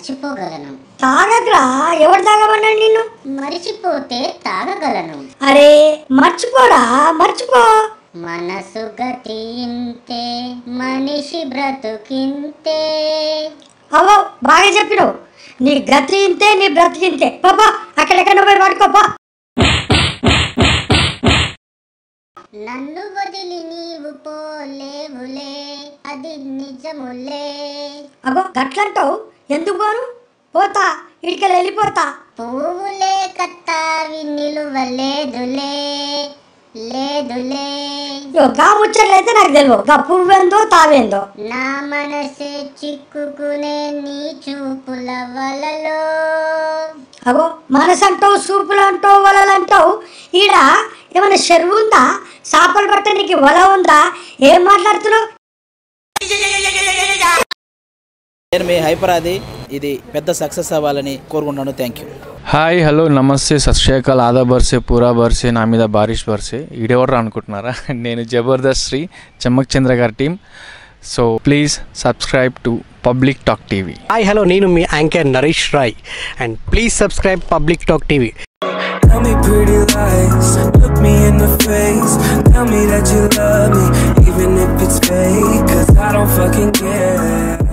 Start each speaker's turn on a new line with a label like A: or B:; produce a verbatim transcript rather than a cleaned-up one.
A: మర్చిపోగలను.
B: తాగద్రా, ఎవరు తాగమన్నాడు నిన్ను?
A: మరిచిపోతే తాగగలను.
B: అరే మర్చిపోరా, మర్చిపో.
A: మనసు గతి ఇంతే, మనిషి బ్రతుకింతే.
B: అవో బాగా చెప్పినావు. నీ గతి ఇంతే, నీ బ్రతికింతే. పాపా అక్కడెక్కడ పోయి పడుకోపా.
A: నన్ను వదిలి నీవు పోలేవులే, అది నిజములే.
B: అగో గట్లంటావు, ఎందుకు పోను? పోతా, ఇడికెళ్ళి వెళ్ళిపోతా.
A: పువ్వులే కత్తావి నిలువలేదులే, లేదులే.
B: గా ముచ్చట్లయితే నాకు తెలియదు, గా పువ్వేందో తావేందో.
A: నా మనసే చిక్కుకునే నీ చూపుల వలలో.
B: అగో మనసు అంటావు, సూపులు అంటావు, వలలు అంటావు. ఈడ ఏమైనా చెరువు ఉందా? చేపలు పట్టడానికి వల ఉందా? ఏం మాట్లాడుతున్నావు?
C: నేను మీ హైపరాది, ఇది పెద్ద సక్సెస్ అవ్వాలని కోరుకుంటున్నాను. Thank you.
D: హాయ్ హలో నమస్తే సత్ శ్రీ అకాల్ ఆదా బర్సే పూరా బర్సే నా మీద బారిష్ బర్సే. ఈడెవరు అనుకుంటున్నారా? నేను జబర్దస్త్ శ్రీ చమ్మక్ చంద్ర గారి team. So please subscribe to public talk TV.
E: Hi hello నేను మీ anchor Naresh Rai and please subscribe public talk TV.
F: Tell me pretty lies, look me in the face, tell me that you love me, even if it's fake, 'cause I don't fucking care.